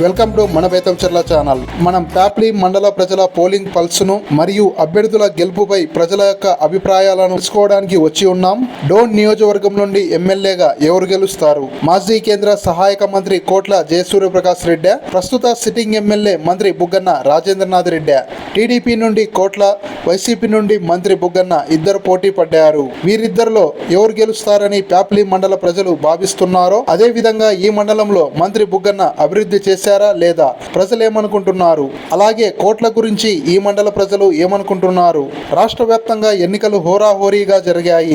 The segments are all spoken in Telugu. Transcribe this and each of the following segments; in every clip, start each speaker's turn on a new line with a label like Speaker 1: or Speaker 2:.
Speaker 1: వెల్కమ్ టు మన బేతంచెర్ల ఛానల్. మనం ప్యాప్లి మండల ప్రజల పోలింగ్ పల్స్ను మరియు అభ్యర్థుల గెలుపుపై ప్రజల యొక్క అభిప్రాయాలను తెలుసుకోవడానికి వచ్చి ఉన్నాం. డోన్ నియోజకవర్గం నుండి ఎమ్మెల్యేగా ఎవరు గెలుస్తారు? మాజీ కేంద్ర సహాయక మంత్రి కోట్ల జయసూర్యప్రకాష్ రెడ్డి, ప్రస్తుత సిట్టింగ్ ఎమ్మెల్యే మంత్రి బుగ్గన్న రాజేంద్రనాథ్ రెడ్డి. టీడీపీ నుండి కోట్ల, వైసీపీ నుండి మంత్రి బుగ్గన్న ఇద్దరు పోటీ పడ్డారు. వీరిద్దరిలో ఎవరు గెలుస్తారని ప్యాప్లి మండల ప్రజలు భావిస్తున్నారో అదే విధంగా ఈ మండలంలో మంత్రి బుగ్గన్న అభివృద్ధి చేశారా లేదా, ప్రజలు ఏమనుకుంటున్నారు? అలాగే కోట్ల గురించి ఈ మండల ప్రజలు ఏమనుకుంటున్నారు? రాష్ట్ర వ్యాప్తంగా ఎన్నికలు హోరాహోరీగా జరిగాయి.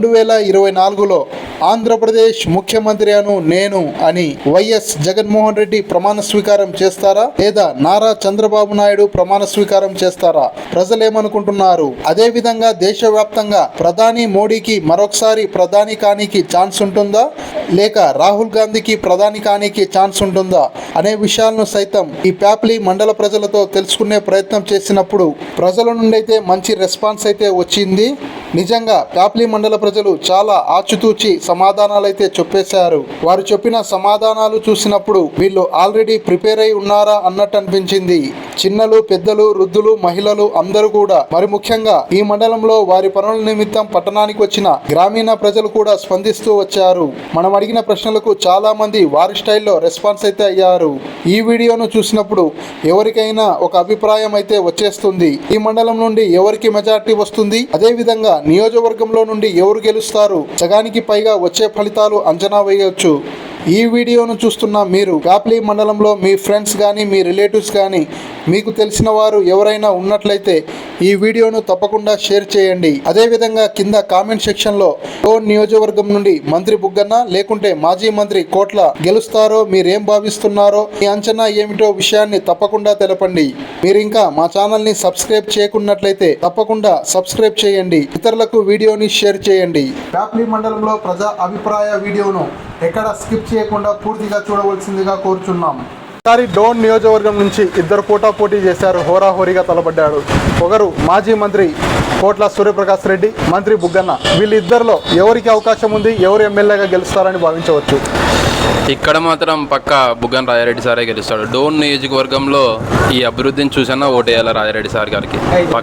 Speaker 1: 2024లో ఆంధ్రప్రదేశ్ ముఖ్యమంత్రి నేను అని వైఎస్ జగన్మోహన్ రెడ్డి ప్రమాణ స్వీకారం చేస్తారా లేదా నారా చంద్రబాబు నాయుడు ప్రమాణ స్వీకారం చేస్తారా? ప్రజలేమనుకుంటున్నారు? అదే విధంగా దేశవ్యాప్తంగా ప్రధాని మోడీకి మరొకసారి ప్రధాని కానికి ఛాన్స్ ఉంటుందా లేక రాహుల్ గాంధీకి ప్రధాని కానికి ఛాన్స్ ఉంటుందా అనే విషయాలను సైతం ఈ ప్యాప్లి మండల ప్రజలతో తెలుసుకునే ప్రయత్నం చేసినప్పుడు ప్రజల నుండి అయితే మంచి రెస్పాన్స్ అయితే వచ్చింది. నిజంగా ప్యాప్లి మండల ప్రజలు చాలా ఆచితూచి సమాధానాలు అయితే చెప్పేశారు. వారు చెప్పిన సమాధానాలు చూసినప్పుడు వీళ్ళు ఆల్రెడీ ప్రిపేర్ అయి ఉన్నారా అన్నట్టు అనిపించింది. చిన్నలు, పెద్దలు, వృద్ధులు, మహిళలు అందరూ కూడా, మరి ముఖ్యంగా ఈ మండలంలో వారి పనుల నిమిత్తం పట్టణానికి వచ్చిన గ్రామీణ ప్రజలు కూడా స్పందిస్తూ వచ్చారు. మనం అడిగిన ప్రశ్నలకు చాలా మంది వారి స్టైల్లో రెస్పాన్స్ అయితే అయ్యారు. ఈ వీడియోను చూసినప్పుడు ఎవరికైనా ఒక అభిప్రాయం అయితే వచ్చేస్తుంది. ఈ మండలం నుండి ఎవరికి మెజార్టీ వస్తుంది, అదే విధంగా నియోజకవర్గంలో నుండి ఎవరు గెలుస్తారు, సగానికి పైగా వచ్చే ఫలితాలు అంచనా వేయవచ్చు. ఈ వీడియోను చూస్తున్న మీరు ప్యాప్లి మండలంలో మీ ఫ్రెండ్స్ కానీ మీ రిలేటివ్స్ కానీ మీకు తెలిసిన వారు ఎవరైనా ఉన్నట్లయితే ఈ వీడియోను తప్పకుండా షేర్ చేయండి. అదేవిధంగా కింద కామెంట్ సెక్షన్లో డోన్ నియోజకవర్గం నుండి మంత్రి బుగ్గన్న లేకుంటే మాజీ మంత్రి కోట్ల గెలుస్తారో మీరేం భావిస్తున్నారో, మీ అంచనా ఏమిటో విషయాన్ని తప్పకుండా తెలపండి. మీరు ఇంకా మా ఛానల్ని సబ్స్క్రైబ్ చేయకున్నట్లయితే తప్పకుండా సబ్స్క్రైబ్ చేయండి, ఇతరులకు వీడియోని షేర్ చేయండి. ప్యాప్లి మండలంలో ప్రజా అభిప్రాయ వీడియోను ఎక్కడ స్కిప్ చేయకుండా పూర్తిగా చూడవలసిందిగా కోరుచున్నాం. ఈసారి డోన్ నియోజకవర్గం నుంచి ఇద్దరు పోటీ చేశారు. హోరాహోరీగా తలపడ్డాడు. ఒకరు మాజీ మంత్రి కోట్ల సూర్యప్రకాష్ రెడ్డి, మంత్రి బుగ్గన్న. వీళ్ళిద్దరిలో ఎవరికి అవకాశం ఉంది, ఎవరు ఎమ్మెల్యేగా గెలుస్తారని భావించవచ్చు?
Speaker 2: ఇక్కడ మాత్రం పక్క బుగ్గన రాజారెడ్డి సారే గెలుస్తాడు. డోన్ నియోజకవర్గంలో ఈ అభివృద్ధిని చూసినా ఓటేయాలి రాజారెడ్డి సార్ గారికి.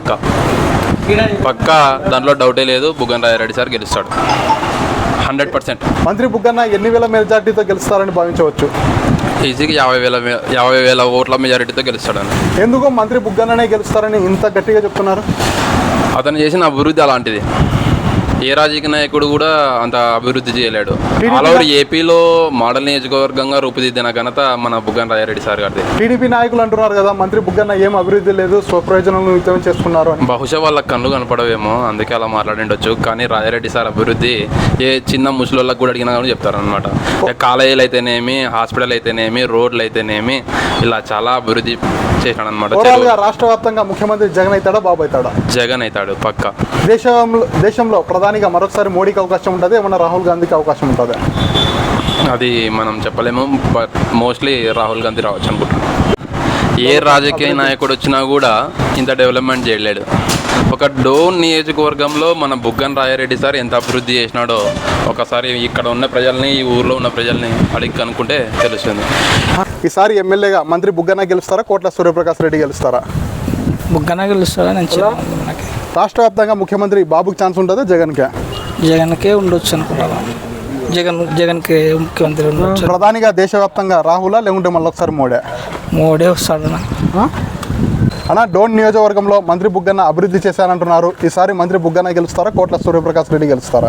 Speaker 2: పక్క దాంట్లో డౌటే లేదు. బుగ్గన రాజారెడ్డి సార్ గెలుస్తాడు 100%.
Speaker 1: మంత్రి బుగ్గన్న ఎన్ని వేల మెజార్టీతో గెలుస్తారని భావించవచ్చు?
Speaker 2: ఈజీగా 50,000 ఓట్ల మెజారిటీతో గెలుస్తాడని.
Speaker 1: ఎందుకు మంత్రి బుగ్గన్ననే గెలుస్తారని ఇంత గట్టిగా చెప్తున్నారు?
Speaker 2: అతను చేసిన అభివృద్ధి అలాంటిది. ఏ రాజకీయ నాయకుడు కూడా అంత అభివృద్ధి చేయలేడు. ఆల్ ఓవర్ ఏపీలో మోడల్ నియోజకవర్గంగా రూపుదిద్దిన ఘనత మన బుగ్గన రాజారెడ్డి సార్ గారిది.
Speaker 1: టీడీపీ నాయకులు అంటున్నారు కదా, మంత్రి బుగ్గన్న ఏం అభివృద్ధి లేదు, స్వప్రయోజనాలు నిమిత్తం చేసుకున్నారు.
Speaker 2: బహుశా వాళ్ళ కళ్ళు కనపడవేమో, అందుకే అలా మాట్లాడిండొచ్చు. కానీ రాజారెడ్డి సార్ అభివృద్ధి ఏ చిన్న ముసలోళ్ళకి కూడా అడిగినా కూడా చెప్తారనమాట. కాలేజీలు అయితేనేమి, హాస్పిటల్ అయితేనేమి, రోడ్లు అయితేనేమి, ఇలా చాలా అభివృద్ధి చేశాడు అనమాట.
Speaker 1: రాష్ట్ర వ్యాప్తంగా ముఖ్యమంత్రి జగన్ అవుతాడా, బాబు అవుతాడా?
Speaker 2: జగన్ అవుతాడు పక్క.
Speaker 1: దేశంలో ప్రధానిగా మరొకసారి మోడీకి అవకాశం ఉంటుంది, ఏమన్నా రాహుల్ గాంధీకి అవకాశం ఉంటుంది?
Speaker 2: అది మనం చెప్పలేము. బట్ మోస్ట్లీ రాహుల్ గాంధీ రావచ్చు అనుకుంటున్నాం. ఏ రాజకీయ నాయకుడు వచ్చినా కూడా ఇంత డెవలప్మెంట్ చేయలేడు. ఒక డోన్ నియోజకవర్గంలో మన బుగ్గన రాజారెడ్డి సార్ ఎంత అభివృద్ధి చేసినాడో ఒకసారి ఇక్కడ ఉన్న ప్రజల్ని, ఈ ఊర్లో ఉన్న ప్రజల్ని అడిగి కనుక్కుంటే తెలుస్తుంది. ఈసారి ఎమ్మెల్యేగా మంత్రి బుగ్గన గెలుస్తారా, కోట్ల సూర్యప్రకాష్ రెడ్డి గెలుస్తారా?
Speaker 3: బుగ్గన గెలుస్తారా?
Speaker 1: రాష్ట్ర వ్యాప్తంగా ముఖ్యమంత్రి బాబుకి ఛాన్స్ ఉంటుందా, జగన్కే
Speaker 3: ఉండొచ్చు అనుకుంటాను. జగన్కి ముఖ్యమంత్రి ఉండొచ్చు.
Speaker 1: ప్రధానిగా దేశవ్యాప్తంగా రాహులా లేకుంటే మళ్ళీ ఒకసారి మోడే
Speaker 3: వస్తాడు
Speaker 1: అన్న. డోన్ నియోజకవర్గంలో మంత్రి బుగ్గన్న అభివృద్ధి చేశానంటున్నారు. ఈసారి మంత్రి బుగ్గన గెలుస్తారా, కోట్ల సూర్యప్రకాష్ రెడ్డి గెలుస్తారా?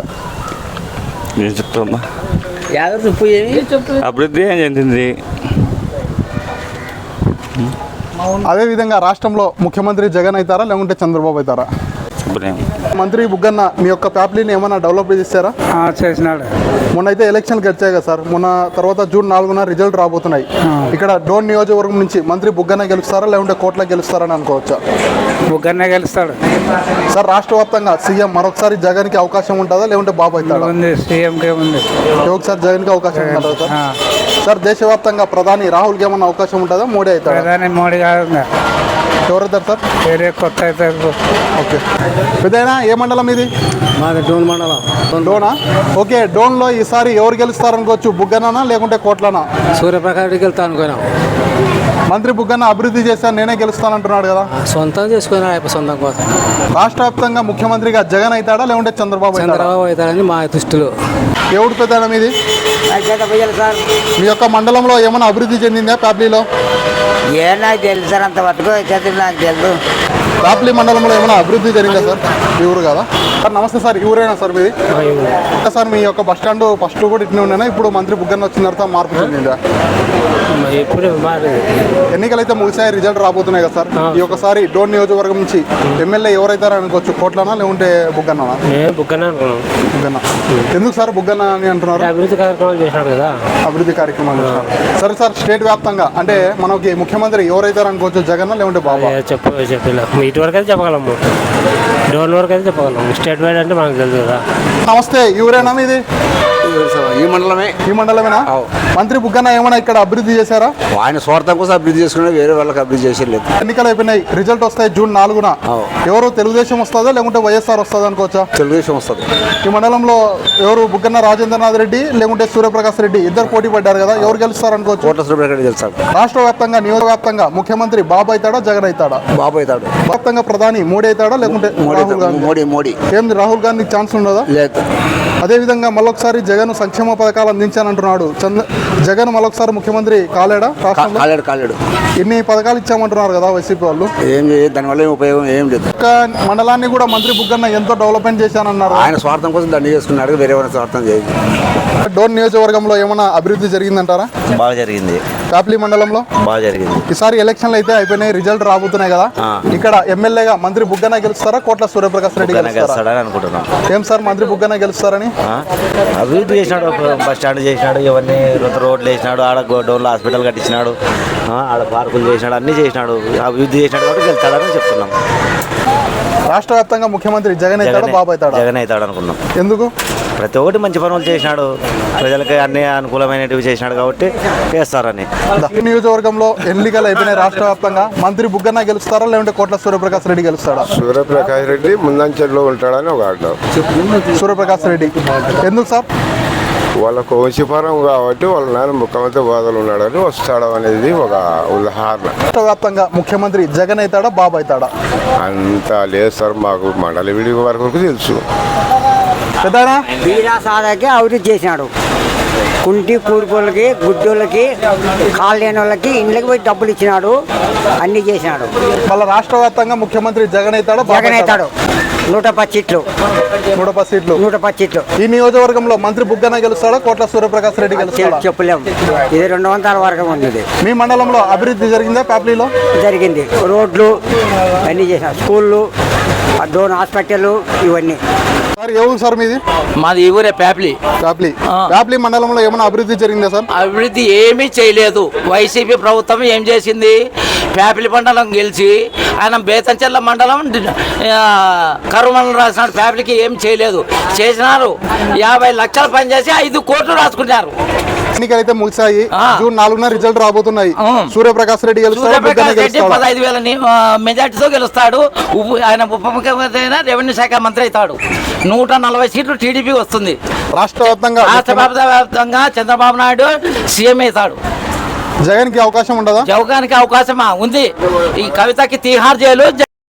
Speaker 4: అభివృద్ధి ఏం చెందింది.
Speaker 1: అదేవిధంగా రాష్ట్రంలో ముఖ్యమంత్రి జగన్ అవుతారా లేకుంటే చంద్రబాబు అవుతారా? మంత్రి బుగ్గన్న మీ యొక్క ప్యాప్లీని ఏమైనా డెవలప్ చేశారా?
Speaker 3: చేసినాడు.
Speaker 1: మొన్న అయితే ఎలక్షన్కి వచ్చాయి కదా సార్, మొన్న తర్వాత జూన్ 4న రిజల్ట్ రాబోతున్నాయి. ఇక్కడ డోన్ నియోజకవర్గం నుంచి మంత్రి బుగ్గన్న గెలుస్తారా లేకుంటే కోట్ల గెలుస్తారని అనుకోవచ్చా?
Speaker 3: బుగ్గన్న గెలుస్తాడు
Speaker 1: సార్. రాష్ట్ర వ్యాప్తంగా సీఎం మరొకసారి జగన్కి అవకాశం ఉంటుందా లేకుంటే బాబు అవుతాడా?
Speaker 3: సీఎంకే ఉంది.
Speaker 1: ఒకసారి జగన్కి అవకాశం ఉంటుందా సార్? దేశవ్యాప్తంగా ప్రధాని రాహుల్కి ఏమన్నా అవకాశం ఉంటుందా, మోడీ అవుతాడా?
Speaker 3: మోడీ కాదు.
Speaker 1: ఎవరైతారు సార్?
Speaker 3: వేరే కొత్త అవుతారు.
Speaker 1: ఓకే. పెద్దయినా ఏ మండలం ఇది?
Speaker 3: మాది డోన్ మండలం.
Speaker 1: డోనా? ఓకే. డోన్లో ఈసారి ఎవరు గెలుస్తారనుకోవచ్చు, బుగ్గనా లేకుంటే కోట్లనా?
Speaker 3: సూర్యప్రకాష్ రెడ్డికి వెళ్తా అనుకున్నాం.
Speaker 1: మంత్రి బుగ్గన్న అభివృద్ధి చేశాను నేనే గెలుస్తానంటున్నాడు కదా.
Speaker 3: సొంతం చేసుకున్నాడు సొంతం కోసం.
Speaker 1: రాష్ట్ర వ్యాప్తంగా ముఖ్యమంత్రిగా జగన్ అవుతాడా లేకుంటే చంద్రబాబు అవుతాడా?
Speaker 3: చంద్రబాబు అవుతాడని మా దృష్టిలో.
Speaker 1: ఎవడు పెద్ద మీది? మీ యొక్క మండలంలో ఏమైనా అభివృద్ధి చెందిందా ప్యాప్లీలో?
Speaker 4: నాకు తెలుసు సార్, అంతవరకు చదువు నాకు తెలుసు.
Speaker 1: ప్యాప్లీ మండలంలో ఏమైనా అభివృద్ధి జరిగిందా సార్? ఈ ఊరు కదా సార్. నమస్తే సార్, ఈ ఊరేనా సార్ మీది? సార్ మీ యొక్క బస్ స్టాండ్ ఫస్ట్ కూడా ఇట్లా ఉండేనా? ఇప్పుడు మంత్రి బుగ్గన్న వచ్చిన తర్వాత మార్పు చెందిందా?
Speaker 3: ఎప్పుడు
Speaker 1: ఎన్నికలు అయితే ముగిసాయి, రిజల్ట్ రాబోతున్నాయి కదా సార్. ఈ ఒక్కసారి డోన్ నియోజకవర్గం నుంచి ఎమ్మెల్యే ఎవరైతారో అనుకోవచ్చు, కోట్లనా లేకుంటే బుగ్గన్ననా?
Speaker 3: బుగ్గన అనుకున్నాం.
Speaker 1: బుగ్గన్న. ఎందుకు సార్ బుగ్గన్న అని అంటున్నారు?
Speaker 3: అభివృద్ధి కార్యక్రమాలు చేసినాడు కదా.
Speaker 1: అభివృద్ధి కార్యక్రమాలు చేసినారు. సరే సార్, స్టేట్ వ్యాప్తంగా అంటే మనకి ముఖ్యమంత్రి ఎవరైతారు అనుకోవచ్చు, జగన్ లేకుంటే బాబా?
Speaker 3: చెప్పలేము, ఇటు వరకు అయితే చెప్పగలము, డోన్ వరకు అయితే చెప్పగలము. స్టేట్ వైడ్ అంటే మనకు తెలుసు కదా.
Speaker 1: నమస్తే, ఈ ఊరేనా మీది?
Speaker 5: ఈ మండలమే.
Speaker 1: ఈ మండలమేనా? మంత్రి బుగ్గన్న ఏమైనా ఇక్కడ అభివృద్ధి చేశారా?
Speaker 5: ఆయన స్వార్థం కోసం అభివృద్ధి చేసుకున్నా, వేరే వాళ్ళకి అభివృద్ధి చేసేది.
Speaker 1: ఎన్నికలు అయిపోయినాయి, రిజల్ట్ వస్తాయి జూన్ 4న. ఎవరు తెలుగుదేశం వస్తుందా లేకుంటే వైఎస్ఆర్ వస్తుందా అనుకోవచ్చా?
Speaker 5: తెలుగుదేశం వస్తుంది.
Speaker 1: ఈ మండలంలో ఎవరు బుగ్గన్న రాజేంద్రనాథ్ రెడ్డి లేకుంటే సూర్యప్రకాష్ రెడ్డి ఇద్దరు పోటీ పడ్డారు కదా, ఎవరు గెలుస్తారు అనుకోవచ్చు?
Speaker 5: కోట్ల సూర్యప్రకాష్ గెలుస్తాడు.
Speaker 1: రాష్ట్ర వ్యాప్తంగా నియోజక వ్యాప్తంగా ముఖ్యమంత్రి బాబు అవుతాడా జగన్ అవుతాడా?
Speaker 5: బాబు అవుతాడు.
Speaker 1: వ్యాప్తంగా ప్రధాని మోడీ అవుతాడా లేకుంటే రాహుల్ గాంధీ?
Speaker 5: మోడీ.
Speaker 1: ఏంది రాహుల్ గాంధీకి ఛాన్స్ ఉండదా?
Speaker 5: లేదు.
Speaker 1: అదేవిధంగా మళ్ళొకసారి జగన్ సంక్షేమ పథకాలు అందించానంటున్నాడు. జగన్ మళ్ళొకసారి ముఖ్యమంత్రి కాలేడా?
Speaker 5: కాలేడు.
Speaker 1: ఎన్ని పథకాలు ఇచ్చామంటున్నారు కదా వైసీపీ వాళ్ళు.
Speaker 5: ఏం లేదు, దానివల్ల ఏం ఉపయోగం ఏం లేదు.
Speaker 1: ఒక్క మండలాన్ని కూడా మంత్రి బుగ్గన్న ఎంతో డెవలప్మెంట్ చేశానన్నారు.
Speaker 5: ఆయన స్వార్థం కోసం దండి చేసుకున్నాడు, వేరే వాళ్ళ స్వార్థం చేయదు.
Speaker 1: డోన్ నియోజకవర్గంలో ఏమైనా అభివృద్ధి జరిగిందంటారా?
Speaker 6: బాగా జరిగింది.
Speaker 1: కాప్లీ మండలంలో
Speaker 6: బాగా జరిగింది.
Speaker 1: ఈసారి ఎలక్షన్లు అయితే అయిపోయినాయి, రిజల్ట్ రాబోతున్నాయి కదా. ఇక్కడ ఎమ్మెల్యేగా మంత్రి బుగ్గన గెలుస్తారా కోట్ల సూర్యప్రకాష్ రెడ్డి గెలుస్తారా?
Speaker 6: అనుకుంటున్నాం.
Speaker 1: ఏం సార్ మంత్రి బుగ్గన గెలుస్తారని?
Speaker 6: అభివృద్ధి చేసినాడు, బస్ స్టాండ్ చేసినాడు, ఇవన్నీ రోడ్లు వేసినాడు, ఆడ డోన్లో హాస్పిటల్ కట్టించినాడు, ఆడ పార్కులు చేసినాడు, అన్ని చేసినాడు, అభివృద్ధి చేసినాడు కాబట్టి గెలుస్తాడని చెప్తున్నాం.
Speaker 1: రాష్ట్ర వ్యాప్తంగా ముఖ్యమంత్రి జగన్ అవుతాడా బాబు అవుతాడా?
Speaker 6: జగన్ అవుతాడు అనుకున్నాం.
Speaker 1: ఎందుకు?
Speaker 6: ప్రతి ఒక్కటి మంచి పనులు చేసినాడు, ప్రజలకి అన్ని అనుకూలమైనవి చేసినాడు కాబట్టి చేస్తారని.
Speaker 1: ఈ నియోజకవర్గంలో ఎన్నికలు అయిపోయినాయి రాష్ట్ర వ్యాప్తంగా, మంత్రి బుగ్గన గెలుస్తారా లేకుంటే కోట్ల సూర్యప్రకాష్ రెడ్డి గెలుస్తాడా?
Speaker 7: సూర్యప్రకాష్ రెడ్డి ముందంచెల్లో ఉంటాడని ఒక ఆట.
Speaker 1: సూర్యప్రకాష్ రెడ్డి ఎందుకు సార్?
Speaker 7: వాళ్ళకు వంశీపరం కాబట్టి వాళ్ళ నాన్న ముఖ్యమంత్రి హోదాలో ఉన్నాడని వస్తాడు అనేది ఒక ఉదాహరణ.
Speaker 1: రాష్ట్ర వ్యాప్తంగా ముఖ్యమంత్రి జగన్ అవుతాడా బాబు అవుతాడా?
Speaker 7: అంత లేదు సార్, మాకు మండలి విడి వరకు తెలుసు.
Speaker 1: పెద్దనా
Speaker 4: వీరా సాదాకి అభివృద్ధి చేసినాడు. కుంటి కూడుకోళ్ళకి, గుడ్డోళ్ళకి, కాళ్ళు లేని వాళ్ళకి ఇండ్లకి పోయి డబ్బులు ఇచ్చినాడు, అన్ని చేసినాడు.
Speaker 1: మళ్ళీ రాష్ట్ర వ్యాప్తంగా ముఖ్యమంత్రి జగన్ అవుతాడా
Speaker 4: జగన్ అవుతాడు. 110 సీట్లు.
Speaker 1: 110 సీట్లు.
Speaker 4: 110 సీట్లు.
Speaker 1: ఈ నియోజకవర్గంలో మంత్రి బుగ్గన గెలుస్తాడా కోట్ల సూర్యప్రకాష్ రెడ్డి గెలుస్తాడా?
Speaker 4: చెప్పలేము, ఇది 200 వరకు ఉంది.
Speaker 1: మీ మండలంలో అభివృద్ధి జరిగిందా ప్యాప్లీలో?
Speaker 4: జరిగింది. రోడ్లు అన్నీ చేసినాడు, స్కూళ్ళు, డోన్ హాస్పిటల్, ఇవన్నీ.
Speaker 1: సార్ ఏ ఊరు సార్ మీది?
Speaker 8: మాది ఈ ఊరే ప్యాప్లీ.
Speaker 1: ప్యాప్లీ మండలంలో ఏమైనా అభివృద్ధి జరిగిందా సార్?
Speaker 8: అభివృద్ధి ఏమీ చేయలేదు. వైసీపీ ప్రభుత్వం ఏం చేసింది? ప్యాప్లీ మండలం గెలిచి ఆయన బేతంచెర్ల మండలం కరువు మండలం రాసినాడు. ప్యాప్లీకి ఏం చేయలేదు. చేసినారు 50 లక్షలు పనిచేసి 5 కోట్లు రాసుకున్నారు.
Speaker 1: ఎన్నికలు అయితే ముగిసాయి, జూన్ 4న రిజల్ట్ రాబోతున్నాయి. సూర్యప్రకాష్ రెడ్డి గెలుస్తాడా?
Speaker 8: సూర్యప్రకాష్ రెడ్డి 15,000 మెజార్టీతో గెలుస్తాడు. ఆయన ఉప ముఖ్యమంత్రి అయినా రెవెన్యూ శాఖ మంత్రి అవుతాడు. 140 సీట్లు టీడీపీ వస్తుంది.
Speaker 1: రాష్ట్ర
Speaker 8: వ్యాప్తంగా చంద్రబాబు నాయుడు సీఎం అవుతాడు.
Speaker 1: జగన్ కి అవకాశం ఉండదా?
Speaker 8: జగన్కి అవకాశమా ఉంది. ఈ కవితకి తీహార్ జైలు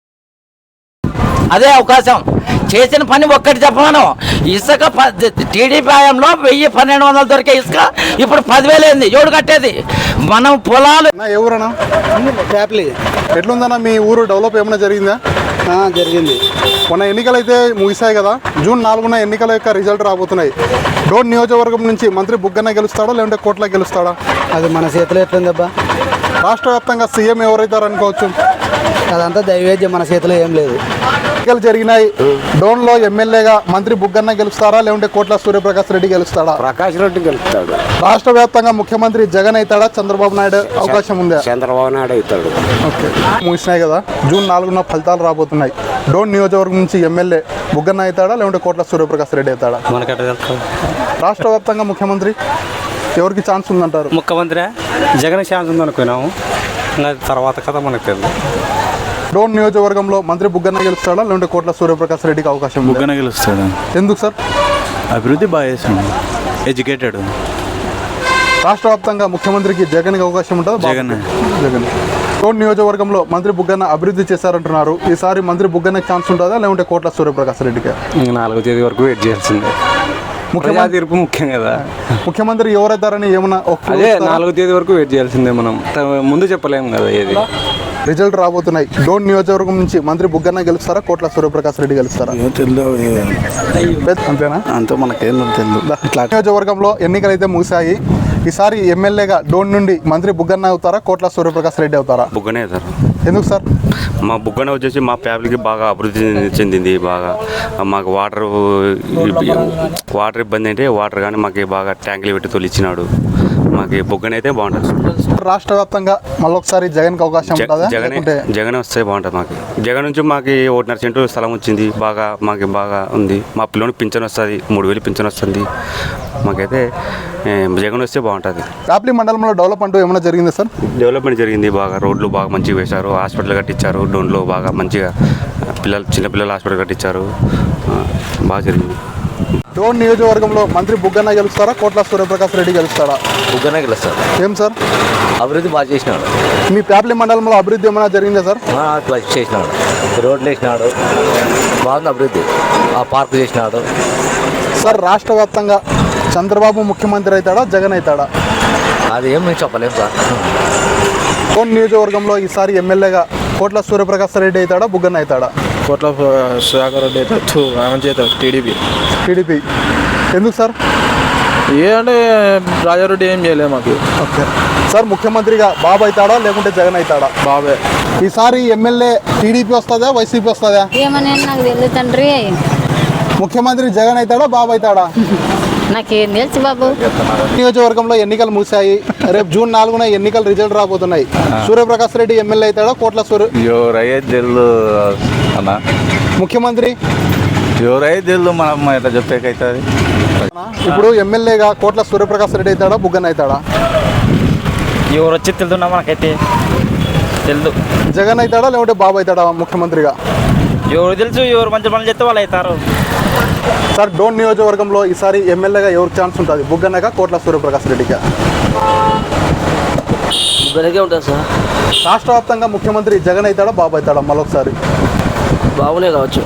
Speaker 8: అదే అవకాశం. చేసిన పని ఒక్కటి చెప్పమను. ఇసుక టీడీపీ హయాంలో 1000-1200 దొరికే ఇసుక ఇప్పుడు 10,000 అయింది. ఎవడు కట్టేది? మనం పొలాలు.
Speaker 1: ఎవరన్నా
Speaker 3: ఫ్యాప్లీ
Speaker 1: ఎట్లుందన్నా మీ ఊరు డెవలప్ ఏమైనా జరిగిందా?
Speaker 3: జరిగింది.
Speaker 1: మొన్న ఎన్నికలు అయితే ముగిసాయి కదా, జూన్ 4న ఎన్నికల యొక్క రిజల్ట్ రాబోతున్నాయి. డోన్ నియోజకవర్గం నుంచి మంత్రి బుగ్గన్న గెలుస్తాడా లేదంటే కోట్ల గెలుస్తాడా?
Speaker 3: అది మన చేతిలో ఎట్లుందబ్బా.
Speaker 1: రాష్ట్ర వ్యాప్తంగా సీఎం ఎవరైతారు అనుకోవచ్చు?
Speaker 3: అదంతా దైవేద్యం, మన చేతిలో ఏం లేదు.
Speaker 1: ఎన్నికలు జరిగినాయి, డోన్లో ఎమ్మెల్యేగా మంత్రి బుగ్గన్న గెలుస్తారా లేదంటే కోట్ల సూర్యప్రకాష్ రెడ్డి గెలుస్తాడా?
Speaker 5: ప్రకాష్ రెడ్డి గెలుస్తాడు.
Speaker 1: రాష్ట్ర వ్యాప్తంగా ముఖ్యమంత్రి జగన్ అవుతాడా చంద్రబాబు నాయుడు అవకాశం ఉందా?
Speaker 5: చంద్రబాబు నాయుడు అవుతాడు.
Speaker 1: ఓకే, ముగిసినాయి కదా, జూన్ 4న ఫలితాలు రాబోతున్నాయి. డోన్ నియోజకవర్గం నుంచి ఎమ్మెల్యే బుగ్గన్న అవుతాడా లేదంటే కోట్ల సూర్యప్రకాష్ రెడ్డి అవుతాడా? రాష్ట్ర వ్యాప్తంగా ముఖ్యమంత్రి ఎవరికి ఛాన్స్ ఉందంటారు?
Speaker 3: ముఖ్యమంత్రి జగన్ ఛాన్స్ ఉందనుకున్నాము, తర్వాత కథ మనకు తెలియదు.
Speaker 1: డోన్ నియోజకవర్గంలో మంత్రి బుగ్గన్న గెలుస్తాడా లేదంటే కోట్ల సూర్యప్రకాష్ రెడ్డికి అవకాశం ఉందా?
Speaker 9: బుగ్గన గెలుస్తాడు.
Speaker 1: ఎందుకు సార్?
Speaker 9: అభివృద్ధి బాగా చేస్తాడు, ఎడ్యుకేటెడ్.
Speaker 1: రాష్ట్ర వ్యాప్తంగా ముఖ్యమంత్రికి జగన్కి అవకాశం ఉంటుందా? జగన్. డోన్ నియోజకవర్గంలో మంత్రి బుగ్గన్న అభివృద్ధి చేశారంటున్నారు. ఈసారి మంత్రి బుగ్గన్నకి ఛాన్స్ ఉంటుందా లేకుంటే కోట్ల సూర్యప్రకాశ్ రెడ్డికి?
Speaker 9: 4వ తేదీ వరకు వెయిట్ చేయాల్సిందే. ముఖ్యమంత్రి తీర్పు ముఖ్యం కదా.
Speaker 1: ముఖ్యమంత్రి ఎవరైతారని ఏమన్నా
Speaker 9: అదే 4వ తేదీ వరకు వెయిట్ చేయాల్సిందే. మనం ముందు చెప్పలేము కదా ఏది.
Speaker 1: రిజల్ట్ రాబోతున్నాయి. డోన్ నియోజకవర్గం నుంచి మంత్రి బుగ్గన్న గెలుస్తారా కోట్ల సూర్యప్రకాశ్ రెడ్డి గెలుస్తారా? అంతేనా?
Speaker 5: అంతా మనకేం తెలియదు.
Speaker 1: నియోజకవర్గంలో ఎన్నికలు అయితే ముగిశాయి. ఈసారి ఎమ్మెల్యేగా డోన్ నుండి మంత్రి బుగ్గన్న అవుతారా కోట్ల సూర్యప్రకాశ్ రెడ్డి అవుతారా?
Speaker 10: బుగ్గనే సార్.
Speaker 1: ఎందుకు సార్?
Speaker 10: మా బుగ్గనే వచ్చేసి మా ఫ్యామిలీకి బాగా అభివృద్ధి చెందింది. బాగా మాకు వాటర్ ఇబ్బంది అంటే వాటర్ కానీ మాకు బాగా ట్యాంకులు పెట్టి తొలిచ్చినాడు. మాకు బుగ్గన అయితే బాగుంటుంది.
Speaker 1: రాష్ట్ర వ్యాప్తంగా మళ్ళొకసారి జగన్కి అవకాశం ఉంటుందా?
Speaker 10: జగన్ వస్తే బాగుంటుంది. మాకు జగన్ నుంచి మాకు 1.5 సెంటు స్థలం వచ్చింది. మాకు బాగా ఉంది. మా పిల్లోనికి పింఛన్ వస్తుంది, 3000 పింఛన్ వస్తుంది. మాకైతే జగన్ వస్తే బాగుంటుంది.
Speaker 1: ప్యాప్లీ మండలంలో డెవలప్మెంట్ ఏమైనా జరిగిందా సార్?
Speaker 10: డెవలప్మెంట్ జరిగింది. బాగా రోడ్లు బాగా మంచిగా వేశారు. హాస్పిటల్ కట్టించారు. డోన్లో బాగా మంచిగా చిన్నపిల్లల హాస్పిటల్ కట్టించారు. బాగా జరిగింది.
Speaker 1: డోన్ నియోజకవర్గంలో మంత్రి బుగ్గన్న గెలుస్తారా కోట్ల సూర్యప్రకాశ్ రెడ్డి గెలుస్తారా?
Speaker 6: బుగ్గనే గెలుస్తాడు.
Speaker 1: ఏం సార్?
Speaker 6: అభివృద్ధి బాగా చేసినాడు.
Speaker 1: మీ ప్యాప్లీ మండలంలో అభివృద్ధి ఏమైనా జరిగిందా సార్?
Speaker 6: చేసినాడు. రోడ్లు వేసినాడు. బాగుంది అభివృద్ధి. ఆ పార్కు చేసినాడు.
Speaker 1: సార్ రాష్ట్ర వ్యాప్తంగా చంద్రబాబు ముఖ్యమంత్రి అవుతాడా జగన్ అవుతాడా?
Speaker 6: అది ఏం మేము చెప్పలేము సార్.
Speaker 1: డోన్ నియోజకవర్గంలో ఈసారి ఎమ్మెల్యేగా కోట్ల సూర్యప్రకాశ్ రెడ్డి అవుతాడా బుగ్గన్న అవుతాడా?
Speaker 11: కోట్ల సుధాకర్ రెడ్డి అయితే టీడీపీ. ఎందుకు సార్? అంటే రాజారెడ్డి ఏం చేయలేదు మాకు.
Speaker 1: ఓకే సార్, ముఖ్యమంత్రిగా బాబు అవుతాడా లేకుంటే జగన్ అవుతాడా?
Speaker 11: బాబే.
Speaker 1: ఈసారి ఎమ్మెల్యే టీడీపీ వస్తుందా వైసీపీ వస్తుందా?
Speaker 12: ఏమని నాకు తెలియదు తండ్రి.
Speaker 1: ముఖ్యమంత్రి జగన్ అవుతాడా బాబు అవుతాడా?
Speaker 12: నాకేం తెలుసు బాబు.
Speaker 1: నియోజకవర్గంలో ఎన్నికలు ముగిశాయి. రేపు జూన్ 4న ఎన్నికల రిజల్ట్ రాబోతున్నాయి. సూర్యప్రకాశ్ రెడ్డి ఎమ్మెల్యే అవుతాడా కోట్ల ముఖ్యమంత్రి
Speaker 9: మనం ఎట్లా చెప్పేకైతుంది.
Speaker 1: ఇప్పుడు ఎమ్మెల్యేగా కోట్ల సూర్యప్రకాశ్ రెడ్డి అవుతాడా బుగ్గన్న అవుతాడా?
Speaker 3: ఎవరు వచ్చి తెలుదున్నా మనకైతే తెలుదు.
Speaker 1: జగన్ అవుతాడా లేకుంటే బాబు అవుతాడా ముఖ్యమంత్రిగా?
Speaker 3: ఎవరు తెలుసు. ఎవరు మంచి పనులు చేస్తే వాళ్ళు అవుతారు.
Speaker 1: సార్ డోన్ నియోజకవర్గంలో ఈసారి ఎమ్మెల్యేగా ఎవరికి ఛాన్స్ ఉంటుంది బుగ్గన్నగా కోట్ల సూర్యప్రకాశ్ రెడ్డిగా?
Speaker 8: బుగ్గనకే ఉంటుంది సార్.
Speaker 1: రాష్ట్ర వ్యాప్తంగా ముఖ్యమంత్రి జగన్ అవుతాడా బాబు అవుతాడా మరొకసారి?
Speaker 8: బాగునే కావచ్చు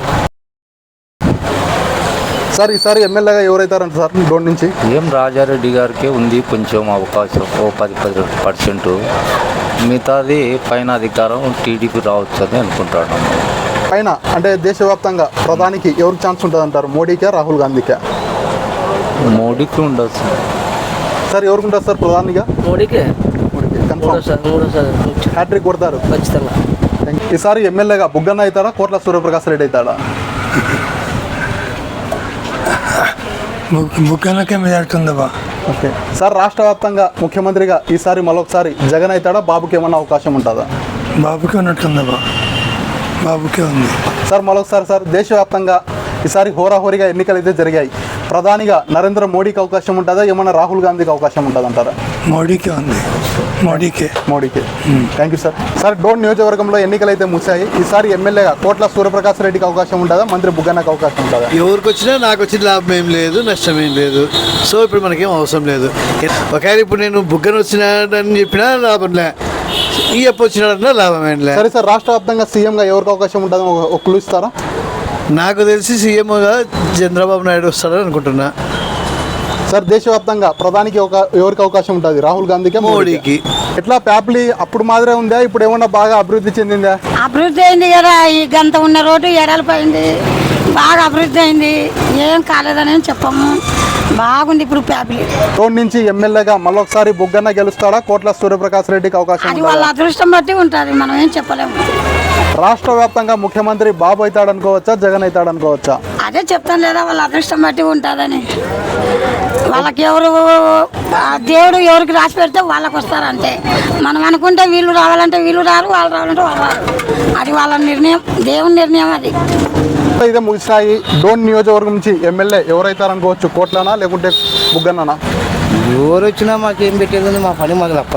Speaker 1: సార్. ఈసారి ఎమ్మెల్యేగా ఎవరైతారంట సార్ డోన్ నుంచి?
Speaker 6: రాజారెడ్డి గారికే ఉంది కొంచెం అవకాశం, ఓ 10% మిగతాది పైన అధికారం టీడీపీ రావచ్చు అని అనుకుంటాను.
Speaker 1: పైన అంటే దేశవ్యాప్తంగా ప్రధానికి ఎవరికి ఛాన్స్ ఉంటుంది అంటారు? మోడీకే రాహుల్ గాంధీకే?
Speaker 6: మోడీకి ఉండొచ్చు
Speaker 1: సార్. ఎవరికి ఉంటుంది సార్ ప్రధానిగా?
Speaker 8: మోడీకే
Speaker 1: కన్ఫర్మ్ హ్యాట్రిక్ కొడతారు
Speaker 8: ఖచ్చితంగా.
Speaker 1: ఈసారి ఎమ్మెల్యేగా బుగ్గన్న అవుతాడా కోట్ల సూర్యప్రకాశ్ రెడ్డి అవుతాడా?
Speaker 11: బుగ్గనకే మెజార్టీ.
Speaker 1: Okay sir. రాష్ట్ర వ్యాప్తంగా ముఖ్యమంత్రిగా ఈసారి మరొకసారి జగన్ అవుతాడా బాబుకి ఏమన్నా అవకాశం ఉంటుందా?
Speaker 11: బాబుకే ఉన్నట్టుందా? బాబుకే ఉంది
Speaker 1: సార్. మరొకసారి సార్ దేశవ్యాప్తంగా ఈసారి హోరాహోరీగా ఎన్నికలు అయితే జరిగాయి. ప్రధానిగా నరేంద్ర మోడీకి అవకాశం ఉంటుందా ఏమన్నా రాహుల్ గాంధీకి అవకాశం ఉంటుంది అంటారా?
Speaker 11: మోడీకే ఉంది. మోడీకే.
Speaker 1: Thank you sir. Sir Dhone నియోజకవర్గంలో ఎన్నికలు అయితే ముగిశాయి. ఈసారి ఎమ్మెల్యేగా కోట్ల సూర్యప్రకాశ్ రెడ్డికి అవకాశం ఉంటుందా మంత్రి బుగ్గన్నకు అవకాశం ఉంటుందా?
Speaker 11: ఎవరికి వచ్చినా నాకు వచ్చిన లాభం ఏం లేదు, నష్టం ఏం లేదు. సో ఇప్పుడు మనకేం అవసరం లేదు. ఒకవేళ ఇప్పుడు నేను బుగ్గన వచ్చినాడని చెప్పినా లాభం లే, ఈ అప్పు వచ్చినాడన్నా లాభం ఏం లేదు.
Speaker 1: సరే సార్. రాష్ట్ర వ్యాప్తంగా సీఎంగా ఎవరికి అవకాశం ఉంటుందో ఒక క్లూ ఇస్తారా?
Speaker 11: నాకు తెలిసి సీఎంగా చంద్రబాబు నాయుడు వస్తాడని అనుకుంటున్నా.
Speaker 1: సార్ దేశవ్యాప్తంగా ప్రధానికి ఎవరికి అవకాశం ఉంటుంది? రాహుల్ గాంధీకి
Speaker 11: మోడీకి?
Speaker 1: ఎట్లా ప్యాప్లీ అప్పుడు మాదిరే ఉందా ఇప్పుడు ఏమన్నా బాగా అభివృద్ధి చెందిందా?
Speaker 12: అభివృద్ధి అయింది కదా. ఈ గంట ఉన్న రోడ్డు ఎడలిపోయింది. బాగా అభివృద్ధి అయింది. ఏం కాలేదని చెప్పము. బాగుంది ఇప్పుడు ప్యాప్లీ.
Speaker 1: రోడ్ నుంచి ఎమ్మెల్యేగా మళ్ళొకసారి బుగ్గన్న గెలుస్తాడా కోట్ల సూర్యప్రకాశ్ రెడ్డికి అవకాశం?
Speaker 12: అది వాళ్ళ అదృష్టం బట్టి ఉంటుంది, మనం ఏం చెప్పలేము.
Speaker 1: రాష్ట్ర వ్యాప్తంగా ముఖ్యమంత్రి బాబు అవుతాడు అనుకోవచ్చా జగన్ అవుతాడు అనుకోవచ్చా?
Speaker 12: అదే చెప్తాను లేదా, వాళ్ళ అదృష్టం బట్టి ఉంటుందని. వాళ్ళకి దేవుడు ఎవరికి రాసి పెడితే వాళ్ళకి వస్తారంటే. మనం అనుకుంటే వీళ్ళు రావాలంటే వీళ్ళు రారు, వాళ్ళు రావాలంటే వాళ్ళు రారు. అది వాళ్ళ నిర్ణయం, దేవుని నిర్ణయం అది.
Speaker 1: ఇదే ముగిసాయి. డోన్ నియోజకవర్గం నుంచి ఎమ్మెల్యే ఎవరైతారనుకోవచ్చు? కోట్లనా లేకుంటే బుగ్గన్ననా?
Speaker 6: ఎవరు వచ్చినా మాకేం పెట్టేది, మా పని మాకు తప్పదు.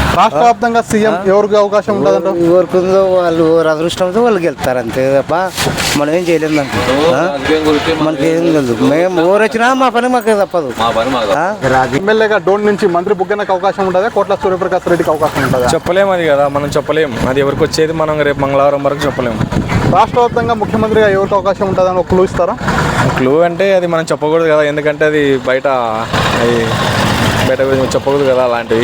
Speaker 1: రాష్ట్ర వ్యాప్తంగా సీఎం ఎవరికి అవకాశం ఉంటుందంట?
Speaker 6: ఎవరికి ఉందో వాళ్ళు అదృష్టంతో వాళ్ళు గెలుస్తారు అంతే తప్ప మనం ఏం చేయలేము దానికి. మనకి ఏం తెలుసు, మేము ఎవరు వచ్చినా మా పని మాకు తప్పదు.
Speaker 1: ఎమ్మెల్యేగా డోన్ నుంచి మంత్రి బుగ్గనకు అవకాశం ఉంటుందా, కోట్ల సూర్యప్రకాష్ రెడ్డికి అవకాశం ఉంటుందా?
Speaker 9: చెప్పలేము అది కదా, మనం చెప్పలేము. అది ఎవరికి వచ్చేది మనం రేపు మంగళవారం వరకు చెప్పలేము.
Speaker 1: రాష్ట్ర వ్యాప్తంగా ముఖ్యమంత్రిగా ఎవరికి అవకాశం ఉంటుందని ఒక క్లూ ఇస్తారా?
Speaker 9: క్లూ అంటే అది మనం చెప్పకూడదు కదా, ఎందుకంటే అది బయట చెప్పకూడదు కదా అలాంటివి.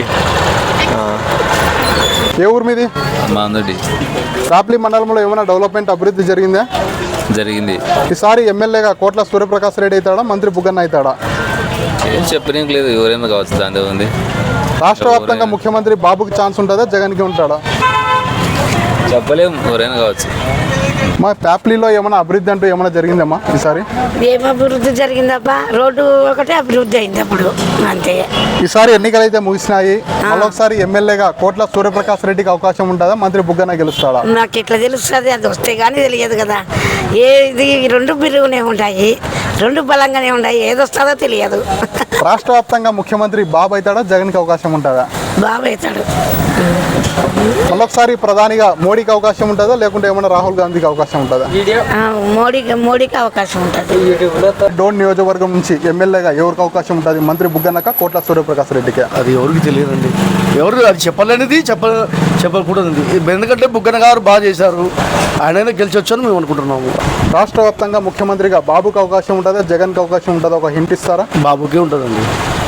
Speaker 1: ఏ ఊరు మీది?
Speaker 2: మాందడి
Speaker 1: రాప్లీ మండలంలో ఏమైనా డెవలప్మెంట్ అభివృద్ధి జరిగిందా?
Speaker 2: జరిగింది.
Speaker 1: ఈసారి ఎమ్మెల్యేగా కోట్ల సూర్యప్రకాష్ రెడ్డి అవుతాడా, మంత్రి బుగ్గన్న అవుతాడా?
Speaker 2: ఏం చెప్పడానికి లేదు, ఎవరైనా కావచ్చు, దాంట్లో ఉంది.
Speaker 1: రాష్ట్ర వ్యాప్తంగా ముఖ్యమంత్రి బాబుకి ఛాన్స్ ఉంటుందా, జగన్కి ఉంటాడా?
Speaker 2: చెప్పలేము, ఎవరైనా కావచ్చు.
Speaker 1: మా ప్యాప్లీలో ఏమైనా అభివృద్ధి అంటూ ఏమైనా జరిగిందమ్మా ఈసారి?
Speaker 12: ఏం అభివృద్ధి జరిగిందబ్బా, రోడ్డు ఒకటే అభివృద్ధి అయింది అప్పుడు అంతే.
Speaker 1: ఈసారి ఎన్నికలు అయితే ముగిసినాయి, మళ్ళొకసారి ఎమ్మెల్యేగా కోట్ల సూర్యప్రకాష్ రెడ్డికి అవకాశం ఉంటుందా, మంత్రి బుగ్గన గెలుస్తాడా?
Speaker 12: నాకు ఎట్లా తెలుస్తుంది, అది వస్తే కానీ తెలియదు కదా. ఏది రెండు బిరుగునే ఉంటాయి, రెండు బలంగానే ఉన్నాయి, ఏది వస్తుందో తెలియదు.
Speaker 1: రాష్ట్ర వ్యాప్తంగా ముఖ్యమంత్రి బాబు అవుతాడా, జగన్కి అవకాశం ఉంటుందా?
Speaker 12: బాబు అవుతాడు.
Speaker 1: మళ్ళొకసారి ప్రధానిగా మోడీకి అవకాశం ఉంటుందా, లేకుంటే ఏమైనా రాహుల్ గాంధీకి అవకాశం ఉంటుందా?
Speaker 12: మోడీకి అవకాశం ఉంటుంది.
Speaker 1: డోన్ నియోజకవర్గం నుంచి ఎమ్మెల్యేగా ఎవరికి అవకాశం ఉంటుంది, మంత్రి బుగ్గనక కోట్ల సూర్యప్రకాష్ రెడ్డికి?
Speaker 11: అది ఎవరికి తెలియదండి, ఎవరు అది చెప్పలేనిది, చెప్పకూడదు. ఎందుకంటే బుగ్గన గారు బాగా చేశారు, ఆయనైనా గెలిచొచ్చు అని మేము అనుకుంటున్నాము.
Speaker 1: రాష్ట్ర వ్యాప్తంగా ముఖ్యమంత్రిగా బాబుకి అవకాశం ఉంటుందా, జగన్కి అవకాశం ఉంటుందా, ఒక హింట్ ఇస్తారా?
Speaker 11: బాబుకే ఉంటుందండి.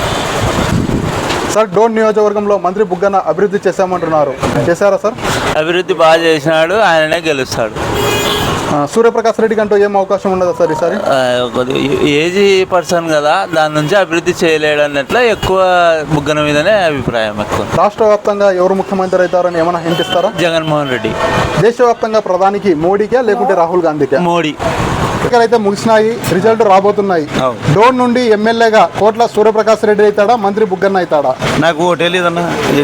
Speaker 1: సార్, డోన్ నియోజకవర్గంలో మంత్రి బుగ్గన అభివృద్ధి చేశామంటున్నారు, చేశారా సార్?
Speaker 8: అభివృద్ధి బాగా చేసినాడు, ఆయననే గెలుస్తాడు.
Speaker 1: సూర్యప్రకాష్ రెడ్డికి అంటూ ఏం అవకాశం ఉండదా సార్ ఈసారి?
Speaker 8: ఏజీ పర్సన్ కదా, దాని నుంచి అభివృద్ధి చేయలేడు అన్నట్లు ఎక్కువ బుగ్గన మీదనే అభిప్రాయం ఎక్కువ.
Speaker 1: రాష్ట్ర వ్యాప్తంగా ఎవరు ముఖ్యమంత్రి అవుతారని ఏమైనా హింట్ ఇస్తారా?
Speaker 8: జగన్మోహన్ రెడ్డి.
Speaker 1: దేశవ్యాప్తంగా ప్రధానికి మోడీకే లేకుంటే రాహుల్ గాంధీకే?
Speaker 8: మోడీ.
Speaker 1: అయితే ముగిసినాయి, రిజల్ట్ రాబోతున్నాయి. డోన్ నుండి ఎమ్మెల్యేగా కోట్ల సూర్యప్రకాష్ రెడ్డి అవుతాడా, మంత్రి బుగ్గన్న అవుతాడా?
Speaker 6: నాకు తెలియదన్నా.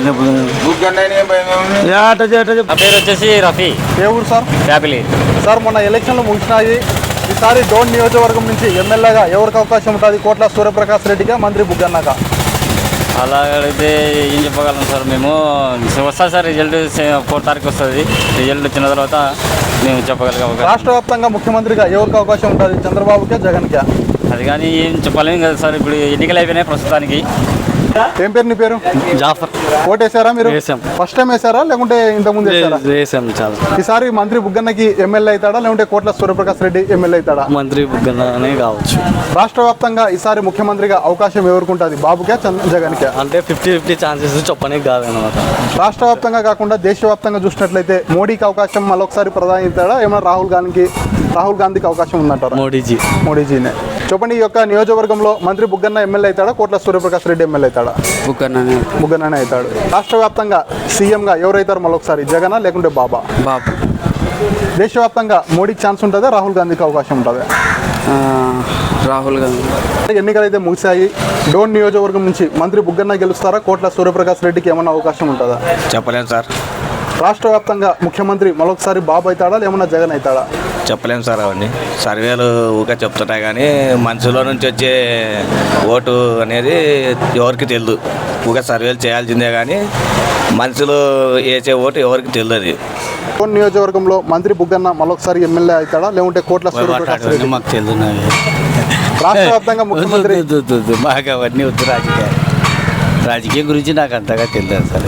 Speaker 3: పేరు వచ్చేసి రఫీ.
Speaker 1: ఏ ఊరు సార్?
Speaker 3: ఫ్యామిలీ.
Speaker 1: సార్, మొన్న ఎలక్షన్లు ముగిసినాయి, ఈసారి డోన్ నియోజకవర్గం నుంచి ఎమ్మెల్యేగా ఎవరికి అవకాశం ఉంటుంది, కోట్ల సూర్యప్రకాష్ రెడ్డిగా, మంత్రి బుగ్గన్నగా?
Speaker 3: అలా అడిగితే ఏం చెప్పగలం సార్, మేము వస్తుంది సార్, రిజల్ట్ 4 తారీఖు వస్తుంది. రిజల్ట్ వచ్చిన తర్వాత మేము చెప్పగలిగే అవకాశం.
Speaker 1: రాష్ట్ర వ్యాప్తంగా ముఖ్యమంత్రిగా ఎవరికి అవకాశం ఉంటుంది, చంద్రబాబుకే, జగన్కే?
Speaker 3: అది కానీ ఏం చెప్పలేము కదా సార్, ఇప్పుడు ఎన్నికలు అయిపోయినాయి ప్రస్తుతానికి.
Speaker 1: ఏం పేరు నీ పేరు?
Speaker 3: జాఫర్.
Speaker 1: ఓటేసారా మీరు? ఫస్ట్ టైం వేసారా లేకుంటే ఇంతకుముందు వేసారా? ఈసారి మంత్రి బుగ్గన్నకి ఎమ్మెల్యే అవుతాడా, లేకుంటే కోట్ల సూర్యప్రకాష్ రెడ్డి ఎమ్మెల్యే అవుతాడా?
Speaker 3: మంత్రి బుగ్గన్ననే కావచ్చు.
Speaker 1: రాష్ట్ర వ్యాప్తంగా ఈసారి ముఖ్యమంత్రిగా అవకాశం ఎవరికి ఉంటుంది, బాబుకే, జగన్కే?
Speaker 3: అంటే 50-50 ఛాన్సెస్ చెప్పడానికి కాదనమాట.
Speaker 1: రాష్ట్ర వ్యాప్తంగా కాకుండా దేశవ్యాప్తంగా చూసినట్లయితే మోడీకి అవకాశం మళ్ళొకసారి ప్రధాని అవుతాడా, ఏమైనా రాహుల్ గాంధీకి అవకాశం ఉందంటారా? మోడీజీనే. చెప్పండి, ఈ యొక్క నియోజకవర్గంలో మంత్రి బుగ్గన్న ఎమ్మెల్యే అవుతాడా, కోట్ల సూర్యప్రకాష్ రెడ్డి ఎమ్మెల్యే అవుతాడా? బుగ్గన్ననే అవుతాడు. రాష్ట్ర వ్యాప్తంగా సీఎంగా ఎవరైతారు మళ్ళొకసారి, జగనా లేకుంటే బాబు? దేశవ్యాప్తంగా మోడీకి ఛాన్స్ ఉంటుందా, రాహుల్ గాంధీకి అవకాశం ఉంటుందా?
Speaker 3: రాహుల్ గాంధీ.
Speaker 1: ఎన్నికలు అయితే ముగిశాయి, డోన్ నియోజకవర్గం నుంచి మంత్రి బుగ్గన్న గెలుస్తారా, కోట్ల సూర్యప్రకాష్ రెడ్డికి ఏమన్నా అవకాశం ఉంటుందా?
Speaker 6: చెప్పలేము సార్.
Speaker 1: రాష్ట్ర వ్యాప్తంగా ముఖ్యమంత్రి మరొకసారి బాబు అవుతాడా, లేమన్నా జగన్ అవుతాడా?
Speaker 6: చెప్పలేము సార్, అవన్నీ సర్వేలు ఊరికే చెప్తున్నాయి కానీ మనుషుల నుంచి వచ్చే ఓటు అనేది ఎవరికి తెలియదు. ఊరికే సర్వేలు చేయాల్సిందే కానీ మనుషులు వేసే ఓటు ఎవరికి తెలియదు.
Speaker 1: డోన్ నియోజకవర్గంలో మంత్రి బుగ్గన్న మరొకసారి ఎమ్మెల్యే అవుతాడా, లేకుంటే కోట్ల సూర్యప్రకాష్ రెడ్డి?
Speaker 6: మాకు తెలియదు.
Speaker 1: రాష్ట్ర వ్యాప్తంగా ముఖ్యమంత్రి
Speaker 6: మాకు అవన్నీ వద్దు. రాజకీయం గురించి నాకు అంతగా తెలియదు సార్.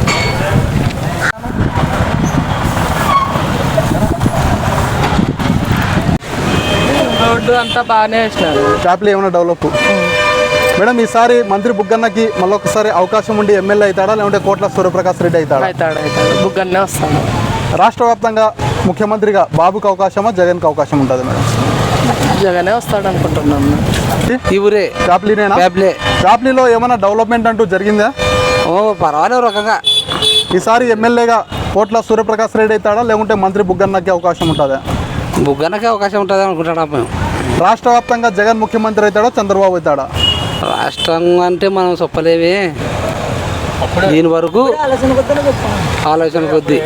Speaker 13: రోడ్డు అంతా బాగానే వేసినారు.
Speaker 1: ట్యాప్లు ఏమైనా డెవలప్? మేడం, ఈసారి మంత్రి బుగ్గన్నకి మళ్ళొకసారి అవకాశం ఉండి ఎమ్మెల్యే అవుతాడా, లేకుంటే కోట్ల సూర్యప్రకాష్ రెడ్డి అవుతాడా?
Speaker 13: అవుతాడు. బుగ్గన్నే వస్తాడు.
Speaker 1: రాష్ట్ర వ్యాప్తంగా ముఖ్యమంత్రిగా బాబుకి అవకాశమా, జగన్కి అవకాశం ఉంటుంది మేడం?
Speaker 13: జగనే వస్తాడు అనుకుంటున్నాను. ఈ ఊరే
Speaker 1: ట్యాప్లీనేనా? ట్యాప్లీలో ఏమైనా డెవలప్మెంట్ అంటూ జరిగిందా?
Speaker 13: పర్వాలేదు రకంగా.
Speaker 1: ఈసారి ఎమ్మెల్యేగా కోట్ల సూర్యప్రకాష్ రెడ్డి అవుతాడా, లేకుంటే మంత్రి బుగ్గన్నకి అవకాశం ఉంటుందా?
Speaker 13: బుగ్గనకే అవకాశం ఉంటుంది అనుకుంటున్నాం మేము.
Speaker 1: రాష్ట్ర వ్యాప్తంగా జగన్ ముఖ్యమంత్రి అవుతాడా, చంద్రబాబు అవుతాడా?
Speaker 13: రాష్ట్రం అంటే మనం చెప్పలేవి, దీని వరకు ఆలోచన కొద్ది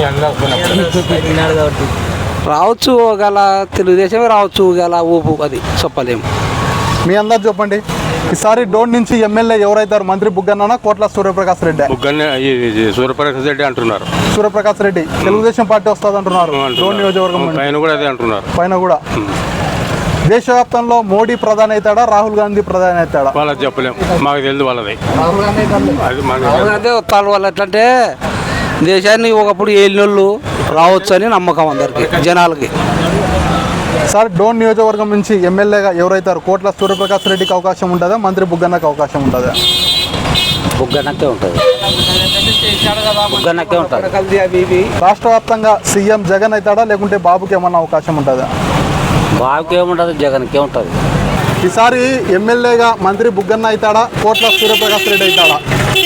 Speaker 13: రావచ్చు. ఒకవేళ తెలుగుదేశమే రావచ్చు, ఒకవేళ ఊపు, అది చెప్పలేము.
Speaker 1: మీ అందరు చెప్పండి. ఈసారి డోన్ నుంచి ఎమ్మెల్యే ఎవరైతారు? మంత్రి బుగ్గన్న, కోట్ల సూర్యప్రకాష్ రెడ్డి?
Speaker 14: సూర్యప్రకాష్ రెడ్డి అంటున్నారు.
Speaker 1: సూర్యప్రకాష్ రెడ్డి తెలుగుదేశం పార్టీ వస్తుంది అంటున్నారు. డోన్ నియోజకవర్గం
Speaker 14: పైన కూడా అదే అంటున్నారు.
Speaker 1: పైన కూడా దేశవ్యాప్తంలో మోడీ ప్రధాని అవుతాడా, రాహుల్ గాంధీ ప్రధాని అవుతాడా?
Speaker 14: వాళ్ళది చెప్పలేము, మాకు తెలియదు వాళ్ళది.
Speaker 13: అదే వస్తారు వాళ్ళు. ఎట్లంటే దేశాన్ని ఒకప్పుడు ఏలినోళ్ళు రావచ్చు అని నమ్మకం అందరికి జనాలకి.
Speaker 1: సార్ డోన్ నియోజకవర్గం నుంచి ఎమ్మెల్యేగా ఎవరైతారు? కోట్ల సూర్యప్రకాష్ రెడ్డికి అవకాశం ఉంటుందా, మంత్రి బుగ్గన్నకి అవకాశం ఉంటుందా?
Speaker 13: బుగ్గనకే ఉంటుంది. బుగ్గనకే ఉంటుంది.
Speaker 1: రాష్ట్ర వ్యాప్తంగా సీఎం జగన్ అవుతాడా, లేకుంటే బాబుకి ఏమన్నా అవకాశం ఉంటుందా?
Speaker 13: బాబుకి ఏముంటుంది, జగన్కే ఉంటుంది.
Speaker 1: ఈసారి ఎమ్మెల్యేగా మంత్రి బుగ్గన్న అవుతాడా, కోట్ల సూర్యప్రకాష్ రెడ్డి అవుతాడా?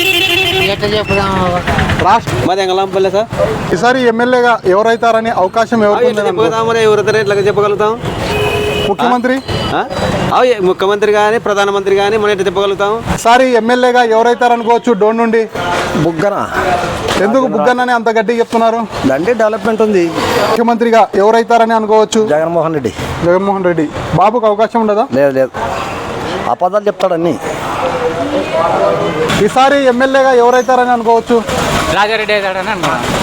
Speaker 9: ఎంగళంపల్లె సార్.
Speaker 1: ఈసారి ఎమ్మెల్యేగా ఎవరైతారని అవకాశం
Speaker 9: ఎవరైతే ఎట్లా చెప్పగలుగుతాం?
Speaker 1: ముఖ్యమంత్రి
Speaker 9: ముఖ్యమంత్రి కానీ ప్రధానమంత్రి కానీ మనం ఎట్లా చెప్పగలుగుతాం?
Speaker 1: ఈసారి ఎమ్మెల్యేగా ఎవరైతారనుకోవచ్చు డోన్ నుండి?
Speaker 5: బుగ్గన.
Speaker 1: ఎందుకు బుగ్గన్నని అంత గట్టిగా చెప్తున్నారు?
Speaker 5: దండి డెవలప్మెంట్ ఉంది.
Speaker 1: ముఖ్యమంత్రిగా ఎవరైతారని అనుకోవచ్చు?
Speaker 5: జగన్మోహన్ రెడ్డి.
Speaker 1: జగన్మోహన్ రెడ్డి. బాబుకు అవకాశం ఉండదా?
Speaker 5: లేదు లేదు, అబద్ధాలు చెప్తాడు అన్నీ.
Speaker 1: ఈసారి ఎమ్మెల్యేగా ఎవరైతారని అనుకోవచ్చు?
Speaker 3: రాజారెడ్డి అవుతాడని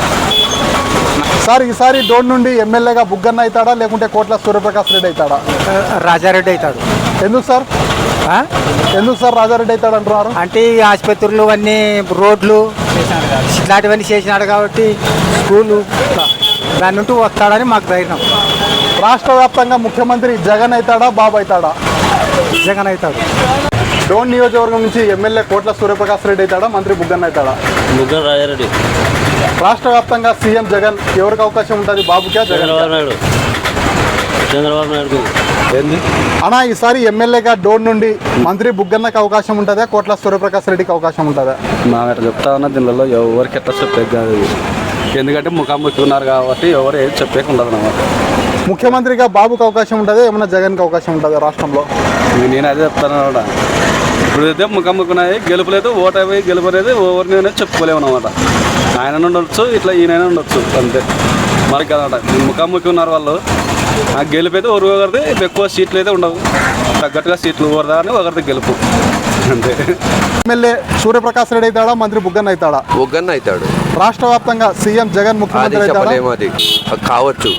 Speaker 1: సార్ ఈసారి డోన్ నుండి ఎమ్మెల్యేగా బుగ్గన్న అవుతాడా, లేకుంటే కోట్ల సూర్యప్రకాష్ రెడ్డి అవుతాడా?
Speaker 4: రాజారెడ్డి అవుతాడు.
Speaker 1: ఎందుకు సార్? ఎందుకు సార్ రాజారెడ్డి అవుతాడు అంటున్నారు?
Speaker 4: అంటే ఈ ఆసుపత్రులు అన్నీ రోడ్లు ఇట్లాంటివన్నీ చేసినాడు కాబట్టి స్కూలు దాని నుండి వస్తాడని మాకు ధైర్యం.
Speaker 1: రాష్ట్ర వ్యాప్తంగా ముఖ్యమంత్రి జగన్ అవుతాడా, బాబు అవుతాడా?
Speaker 4: జగన్ అవుతాడు.
Speaker 1: డోన్ నియోజకవర్గం నుంచి ఎమ్మెల్యే కోట్ల సూర్యప్రకాష్ రెడ్డి అవుతాడా, మంత్రి బుగ్గన్న అవుతాడా?
Speaker 3: బుగ్గన రాజారెడ్డి.
Speaker 1: రాష్ట్ర వ్యాప్తంగా సీఎం జగన్ ఎవరికి అవకాశం ఉంటుంది, బాబుకే జగన్?
Speaker 3: చంద్రబాబు నాయుడు.
Speaker 1: అన్నా ఈసారి ఎమ్మెల్యేగా డోన్ నుండి మంత్రి బుగ్గన్నకి అవకాశం ఉంటుందా, కోట్ల సూర్యప్రకాష్ రెడ్డికి అవకాశం ఉంటుందా?
Speaker 9: మా ఎట్లా చెప్తా ఉన్నా దీనిలో ఎవరికి ఎట్లా చెప్పేది కాదు. ఎందుకంటే ముఖాముఖి ఉన్నారు కాబట్టి ఎవరు ఏది చెప్పేకి ఉండదు అన్నమాట.
Speaker 1: ముఖ్యమంత్రిగా బాబుకి అవకాశం ఉంటుందా, ఏమన్నా జగన్కి అవకాశం ఉంటుందా రాష్ట్రంలో?
Speaker 9: నేను అదే చెప్తాను అనమాట. ఇప్పుడు అయితే ముఖాముఖి ఉన్నాయి, గెలుపులేదు, ఓటమి గెలుపు అనేది ఎవరిని అనేది చెప్పుకోలేము అనమాట. ఆయన ఉండొచ్చు, ఇట్లా ఈయన ఉండొచ్చు, అంతే మనకి అనమాట. ముఖాముఖి ఉన్నారు వాళ్ళు. ఆ గెలుపు అయితే ఒకరిది ఎక్కువ సీట్లు అయితే ఉండవు, తగ్గట్టుగా సీట్లు ఓరదా అని ఒకరిది గెలుపు అంతే.
Speaker 1: ఎమ్మెల్యే సూర్యప్రకాష్ రెడ్డి అవుతాడా, మంత్రి బుగ్గన్న అవుతాడా?
Speaker 15: బుగ్గన్న అవుతాడు.
Speaker 1: రాష్ట్ర వ్యాప్తంగా సీఎం జగన్ ముఖ్యమంత్రి అవుతాడా?
Speaker 15: అది కావచ్చు,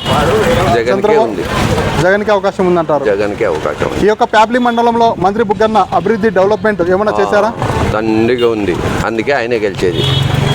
Speaker 1: జగన్కి అవకాశం ఉందంటారు.
Speaker 15: జగన్కి అవకాశం.
Speaker 1: ఈ యొక్క ప్యాప్లీ మండలంలో మంత్రి బుగ్గన్న అభివృద్ధి డెవలప్మెంట్ ఏమైనా చేశారా?
Speaker 15: దండిగా ఉంది, అందుకే ఆయనే గెలిచేది.